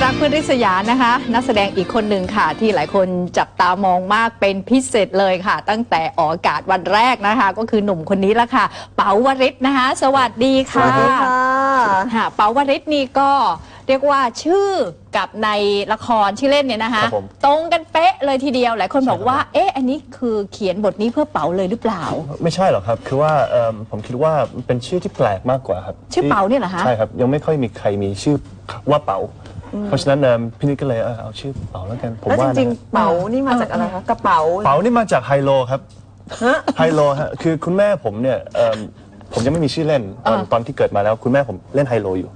รักเพื่อนริษยานะคะนักแสดงอีกคนหนึ่งค่ะที่หลายคนจับตามองมากเป็นพิเศษเลยค่ะตั้งแต่ออกอากาศวันแรกนะคะก็คือหนุ่มคนนี้ละค่ะเป๋าวริศนะคะสวัสดีค่ะสวัสดีค่ะเป๋าวริศนี่ก็เรียกว่าชื่อกับในละครที่เล่นเนี่ยนะคะตรงกันเป๊ะเลยทีเดียวหลายคนบอกว่าเอ๊ะอันนี้คือเขียนบทนี้เพื่อเป๋าเลยหรือเปล่าไม่ใช่หรอกครับคือว่าผมคิดว่าเป็นชื่อที่แปลกมากกว่าครับชื่อเป๋าเนี่ยเหรอคะใช่ครับยังไม่ค่อยมีใครมีชื่อว่าเป๋าเพราะฉะนั้นพี่นิดก็เลยเอาชื่อเป๋าแล้วกันผมว่าแล้วจริงๆเป๋านี่มาจากอะไรคะกระเป๋าเป๋านี่มาจากไฮโลครับไฮโลฮะคือคุณแม่ผมเนี่ยผมยังไม่มีชื่อเล่นตอนที่เกิดมาแล้วคุณแม่ผมเล่นไฮโลอยู่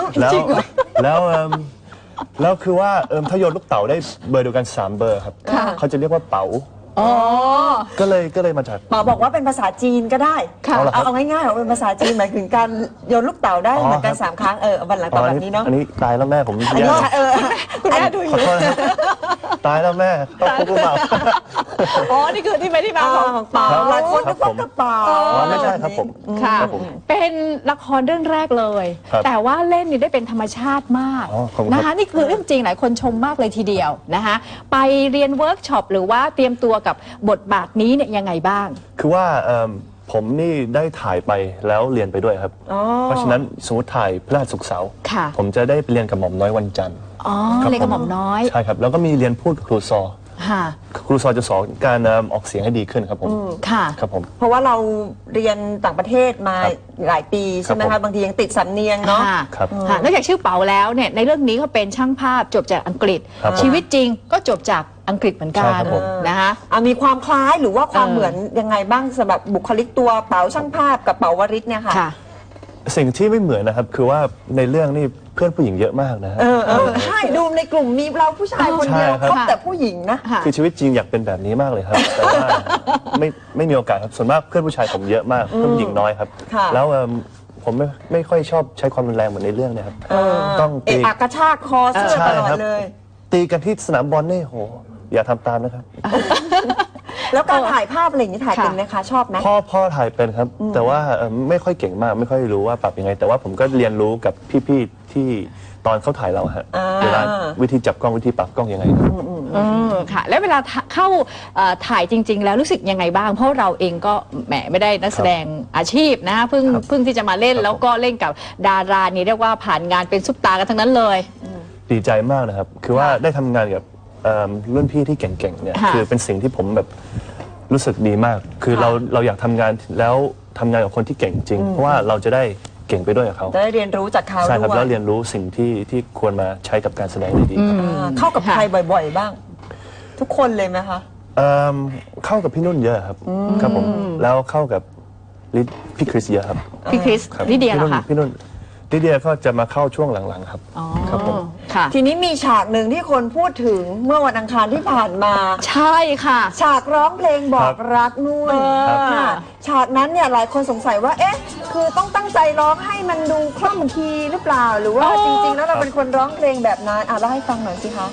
แล้วคือว่าถ้าโยนลูกเต๋าได้เบอร์เดียวกัน3เบอร์ครับเขาจะเรียกว่าเป๋าก็เลยมาจากเป๋าบอกว่าเป็นภาษาจีนก็ได้เอาง่ายๆเป็นภาษาจีนหมายถึงการโยนลูกเต๋าได้เหมือนกัน3ครั้งวันหลังตอบแบบนี้เนาะอันนี้ตายแล้วแม่ผมคุณแม่ดูอยู่ตายแล้วแม่ต้องพูดเปล่านี่คือที่ไปที่มาของเป๋าหลายคนนึกว่ากระเป๋าไม่ใช่ครับผมค่ะเป็นละครเรื่องแรกเลยแต่ว่าเล่นนี่ได้เป็นธรรมชาติมากนะคะนี่คือเรื่องจริงหลายคนชมมากเลยทีเดียวนะคะไปเรียนเวิร์กช็อปหรือว่าเตรียมตัวกับบทบาทนี้เนี่ยยังไงบ้างคือว่าผมนี่ได้ถ่ายไปแล้วเรียนไปด้วยครับเพราะฉะนั้นสมมติถ่ายพฤหัสศุกร์เสาร์ผมจะได้ไปเรียนกับหม่อมน้อยวันจันทร์เรียนกับหม่อมน้อยใช่ครับแล้วก็มีเรียนพูดกับครูซอครูซอจะสอนการออกเสียงให้ดีขึ้นครับผมครับผมเพราะว่าเราเรียนต่างประเทศมาหลายปีใช่ไหมคะบางทียังติดสำเนียงเนาะครับนอกจากชื่อเป๋าแล้วเนี่ยในเรื่องนี้เขาเป็นช่างภาพจบจากอังกฤษชีวิตจริงก็จบจากอังกฤษเหมือนกันนะคะมีความคล้ายหรือว่าความเหมือนยังไงบ้างสำหรับบุคลิกตัวเป๋าช่างภาพกับเป๋าวริศเนี่ยค่ะสิ่งที่ไม่เหมือนนะครับคือว่าในเรื่องนี่เพื่อนผู้หญิงเยอะมากนะใช่ดูในกลุ่มมีเราผู้ชายคนเดียวคบแต่ผู้หญิงนะคือชีวิตจริงอยากเป็นแบบนี้มากเลยครับแต่ว่าไม่มีโอกาสครับส่วนมากเพื่อนผู้ชายผมเยอะมากเพื่อนผู้หญิงน้อยครับแล้วผมไม่ค่อยชอบใช้ความรุนแรงเหมือนในเรื่องนะครับต้องตีกระชากคอเสื้อตลอดเลยตีกันที่สนามบอลนี่โหอย่าทำตามนะครับแล้วการถ่ายภาพอะไรอย่างนี้ถ่ายเป็นไหมคะชอบไหมพ่อถ่ายเป็นครับแต่ว่าไม่ค่อยเก่งมากไม่ค่อยรู้ว่าปรับยังไงแต่ว่าผมก็เรียนรู้กับพี่ๆที่ตอนเขาถ่ายเราฮะเวลาวิธีจับกล้องวิธีปรับกล้องยังไงค่ะแล้วเวลาเข้าถ่ายจริงๆแล้วรู้สึกยังไงบ้างเพราะเราเองก็แหมไม่ได้นักแสดงอาชีพนะเพิ่งที่จะมาเล่นแล้วก็เล่นกับดารานี่เรียกว่าผ่านงานเป็นซุปตากันทั้งนั้นเลยดีใจมากนะครับคือว่าได้ทำงานกับรุ่นพี่ที่เก่งๆเนี่ยคือเป็นสิ่งที่ผมแบบรู้สึกดีมากคือเราอยากทำงานแล้วทำงานกับคนที่เก่งจริงเพราะว่าเราจะได้เก่งไปด้วยกับเขาได้เรียนรู้จากเขาใช่ครับแล้วเรียนรู้สิ่งที่ควรมาใช้กับการแสดงได้ดีเข้ากับใครบ่อยๆบ้างทุกคนเลยไหมคะเข้ากับพี่นุ่นเยอะครับครับผมแล้วเข้ากับพี่คริสเยอะครับพี่คริสลิเดียเหรอคะพี่นุ่นลิเดียก็จะมาเข้าช่วงหลังๆครับครับผมทีนี้มีฉากหนึ่งที่คนพูดถึงเมื่อวันอังคารที่ผ่านมาใช่ค่ะฉากร้องเพลงบอกรักนุ่นฉากนั้นเนี่ยหลายคนสงสัยว่าเอ๊ะคือต้องตั้งใจร้องให้มันดูคล่องคีย์หรือเปล่าหรือว่าจริงๆแล้วเราเป็นคนร้องเพลงแบบนั้นเล่าให้ฟังหน่อยสิคะ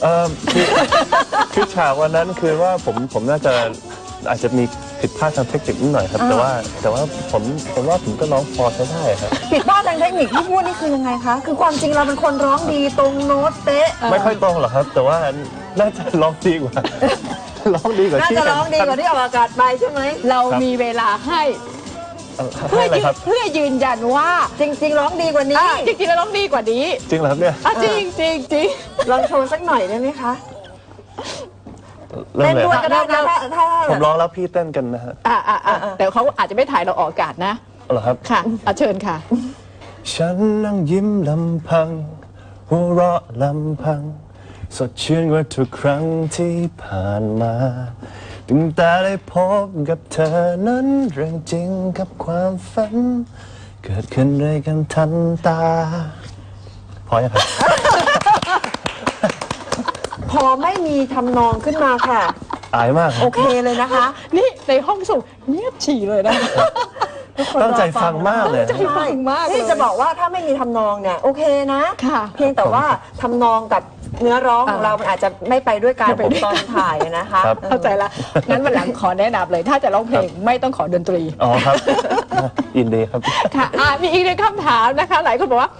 คือฉากวันนั้นคือว่าผมน่าจะอาจจะมีผิดพลาดทางเทคนิคนิดหน่อยครับแต่ว่าผมว่าผมก็ร้องพอใช้ได้ครับผิดพลาดทางเทคนิคที่พูดนี่คือยังไงคะคือความจริงเราเป็นคนร้องดีตรงโน้ตเป๊ะไม่ค่อยตรงหรอกครับแต่ว่าน่าจะร้องดีกว่าร้องดีกว่าที่น่าจะร้องดีกว่าที่ออกอากาศไปใช่ไหมเรามีเวลาให้เพื่อยืนยันว่าจริงๆร้องดีกว่านี้จริงๆแล้วร้องดีกว่านี้จริงเหรอครับเนี่ยจริงจริงจริงลองโชว์สักหน่อยได้ไหมคะเต้นด้วยก็ได้นะถ้าผมร้องแล้วพี่เต้นกันนะฮะแต่เขาอาจจะไม่ถ่ายเราออกอากาศนะเหรอครับค่ะเชิญค่ะฉันนั่งยิ้มลำพังหัวเราะลำพังสดชื่นกว่าทุกครั้งที่ผ่านมาตั้งแต่ได้พบกับเธอนั้นเรื่องจริงกับความฝันเกิดขึ้นด้วยกันทันตาพอยังครับพอไม่มีทำนองขึ้นมาค่ะอายมากโอเคเลยนะคะนี่ในห้องส่งเงียบฉี่เลยนะตั้งใจฟังมากเลยใจฟังมากที่จะบอกว่าถ้าไม่มีทำนองเนี่ยโอเคนะเพียงแต่ว่าทำนองกับเนื้อร้องของเรามันอาจจะไม่ไปด้วยกันเป็นตอนถ่ายนะคะเข้าใจละงั้นวันหลังขอแนะนำเลยถ้าจะร้องเพลงไม่ต้องขอดนตรีอ๋อครับยินดีครับค่ะมีอีกหนึ่งคำถามนะคะหลายคนบอกว่า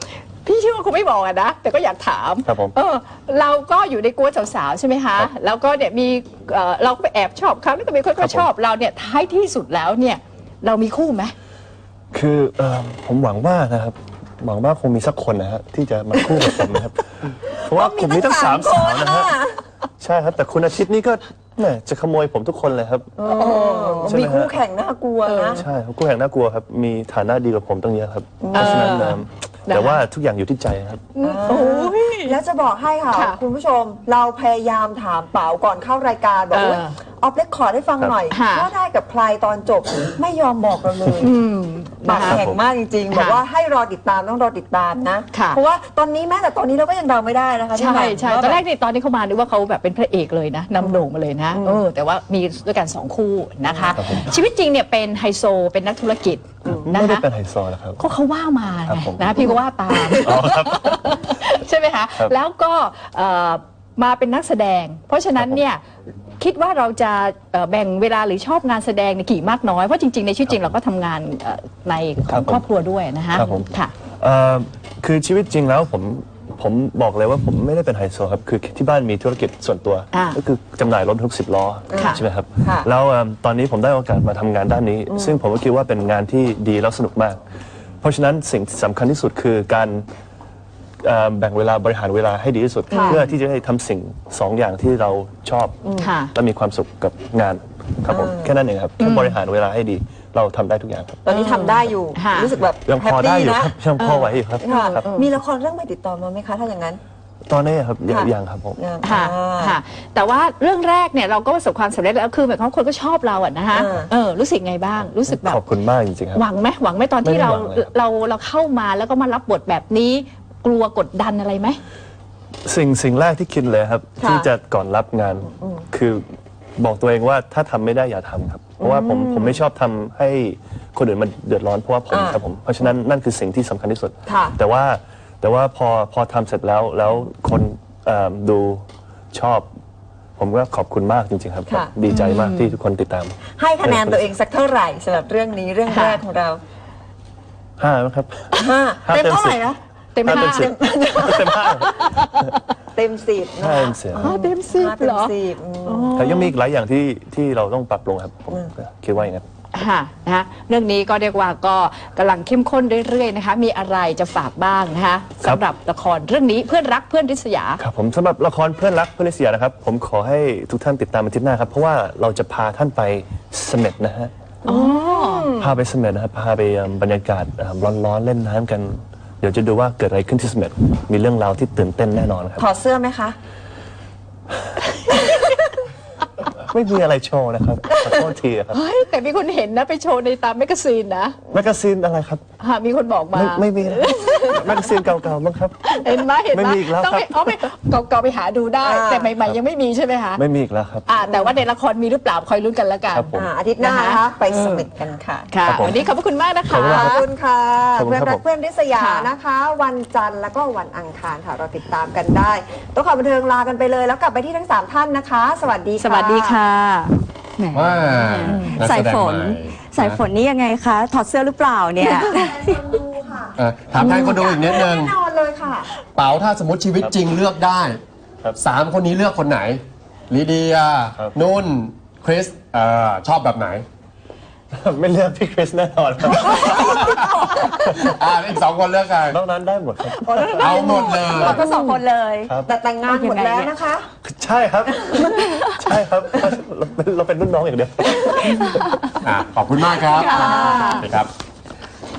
พี่เชื่อว่าคงไม่บอกอะนะแต่ก็อยากถามครับผมเราก็อยู่ในกวนสาวๆใช่ไหมคะครับแล้วก็เนี่ยมีเราก็ไปแอบชอบเขาแล้วก็มีคนครัก็บผมชอบเราเนี่ยท้ายที่สุดแล้วเนี่ยเรามีคู่ไหมคือผมหวังว่านะครับหวังว่าคงมีสักคนนะฮะที่จะมาคู่กับผมนะครับ เพราะว่าผมมีตั้ง3 สาวนะฮะใช่ครับแต่คุณอาทิตย์นี่ก็แหม่จะขโมยผมทุกคนเลยครับ ใช่ไหมมีฮะคู่แข่งน่ากลัวนะใช่ครับคู่แข่งน่ากลัวครับมีฐานะดีกว่าผมตั้งเยอะครับเพราะฉะนั้นแต่ว่าทุกอย่างอยู่ที่ใจครับโอ้ยแล้วจะบอกให้ค่ะค่ะคุณผู้ชมเราพยายามถามเป๋าก่อนเข้ารายการบอกว่าออฟเรคคอร์ดให้ฟังหน่อยค่ะว่าได้กับใครตอนจบไม่ยอมบอกเราเลย ปากนะคะแข็งมากจริงๆ บอกว่าให้รอติดตามต้องรอติดตามนะค่ะเพราะว่าตอนนี้แม้แต่ตอนนี้เราก็ยังเดาไม่ได้นะคะใช่พี่แหม่มใช่ว่าตอนแรกนี่ตอนที่เขามานึกว่าเขาแบบเป็นพระเอกเลยนะนำโด่งมาเลยนะแต่ว่ามีด้วยกัน2 คู่นะคะครับผมชีวิตจริงเนี่ยเป็นไฮโซเป็นนักธุรกิจนะไม่ได้คะเป็นไฮโซนะครับก็เขาว่ามาครัไงบผมนะพี่ก็ว่าตาม ใช่ไหมคะครับแล้วก็มาเป็นนักแสดง เพราะฉะนั้นเนี่ยคิดว่าเราจะแบ่งเวลาหรือชอบงานแสดงในกี่มากน้อยเพราะจริงๆในชีวิตจริงเราก็ทำงานในของครอบครัวด้วยนะคะครับผมค่ะคือชีวิตจริงแล้วผมบอกเลยว่าผมไม่ได้เป็นไฮโซครับคือที่บ้านมีธุรกิจส่วนตัว ก็คือจำหน่ายรถทุก10 ล้อค่ะใช่ไหมครับค่ะแล้วตอนนี้ผมได้โอกาสมาทำงานด้านนี้ ซึ่งผมก็คิดว่าเป็นงานที่ดีแล้วสนุกมาก เพราะฉะนั้นสิ่งที่สำคัญที่สุดคือการแบ่งเวลาบริหารเวลาให้ดีที่สุดค่ะเพื่อที่จะได้ทำสิ่ง2 อย่างที่เราชอบค่ะและมีความสุขกับงานครับผมแค่นั้นเองครับแค่บริหารเวลาให้ดีเราทำได้ทุกอย่างครับตอนนี้ทำได้อยู่ค่ะรู้สึกแบบยังแฮพปอได้ปี้อยู่นะครับยังพอไหวอยู่ครับค่ะครับมีละครเรื่องใหม่ติดต่อมาไหมคะถ้าอย่างนั้นตอนนี้ครับยังค่ะยังครับผมยังค่ะอ่าค่ะ แต่ว่าเรื่องแรกเนี่ยเราก็ประสบความสำเร็จแล้วคือหมายความว่าคนก็ชอบเราอะนะคะ รู้สึกไงบ้างรู้สึกแบบขอบคุณมากจริงๆครับหวังไหมหวังไหมตอนที่ไม่ได้เราหวังเลยครับเราเข้ามาแล้วก็มารับบทแบบนี้ กลัวกดดันอะไรไหมสิ่งแรกที่คิดเลยครับค่ะที่จะก่อนรับงาน คือบอกตัวเองว่าถ้าทำไม่ได้อย่าทำครับ เพราะว่าผมไม่ชอบทำให้คนอื่นมันเดือดร้อนเพราะว่าผมครับผมเพราะฉะนั้นนั่นคือสิ่งที่สำคัญที่สุดค่ะแต่ว่าพอทำเสร็จแล้วคนดูชอบ ผมก็ขอบคุณมากจริงๆครับค่ะดีใจมากที่ทุกคนติดตามให้คะแนนตัวเองสักเท่าไหร่สำหรับเรื่องนี้เรื่องแรกของเรา 5นะครับห้าห้าเต็มเต็มเท่าไหร่ 10 นะเต็ม 5 ห้าเต็ม 10 เต็ม 5 เต็ม10นะ 5เต็ม10 อ๋อเต็มสิบห้าเต็เหรมอ 10 แต่ยังมีอีกหลายอย่างที่เราต้องปรับปรุงครับผมคิดว่าอย่างนั้นค่ะนะคะเรื่องนี้ก็เรียกว่าก็กำลังเข้มข้นเรื่อยๆนะคะ มีอะไรจะฝากบ้างนะคะครับสำหรับละครเรื่องนี้เพื่อนรักเพื่อนริษยาครับผมสำหรับละครเพื่อนรักเพื่อนริษยานะครับ ผมขอให้ทุกท่านติดตามอาทิตย์หน้าครับ เพราะว่าเราจะพาท่านไปเสม็ดนะฮะพาไปเสม็ดนะครับพาไปบรรยากาศร้อนๆเล่นน้ำกัน เดี๋ยวจะดูว่าเกิดอะไรขึ้นที่เสม็ดมีเรื่องราวที่ตื่นเต้นแน่นอนครับถอดเสื้อไหมคะไม่มีอะไรโชว์นะครับขอโทษทีครับเฮ้ยแต่มีคนเห็นนะไปโชว์ในตามแมกกาซีนนะแมกกาซีนอะไรครับมีคนบอกมาไม่มีนะแมกกาซีนเก่าๆมั้งครับเห็นไหมเห็นไหมไม่มีอีกแล้วต้องไปครับไม่เก่าๆไปหาดูได้ แต่ใหม่ๆยังไม่มีใช่ไหมคะไม่มีอีกแล้วครับแต่ว่าในละครมีหรือเปล่าคอยลุ้นกันแล้วกันครับผมอาทิตย์หน้านะคะไปสมิธกันค่ะค่ะครับผมวันนี้ขอบพระคุณมากนะคะขอบคุณมากขอบคุณค่ะขอบคุณเพื่อนครับรักผมเพื่อนริษยาค่ะนะคะ วันจันทร์แล้วก็วันอังคารค่ะ เราติดตามกันได้ตัวข่าวบันเทิงลากันไปเลย แล้วกลับไปที่ทั้ง 3 ท่านนะคะ สวัสดีค่ะสวัสดีค่ะแหมว่านักสายแดงฝนใหม่สายฝนนี่ยังไงคะ ถอดเสื้อหรือเปล่าเนี่ยถามแทนคนดูอีกนิดนึงแน่นอนเลยค่ะเป๋าถ้าสมมติชีวิตจริงเลือกได้ครับ 3 คนนี้เลือกคนไหนลีเดียครับนุ่น คริสชอบแบบไหนไม่เลือกพี่คริสแน่นอนครับอีก 2 คนเลือกใครนอกนั้นได้หมดครับเอาหมดเลยเราก็สองคนเลยแต่แต่งงานหมดแล้วนะคะใช่ครับ ใช่ครับ เราเป็นรุ่นน้องอย่างเดียวขอบคุณมากครับสวัสดีครับ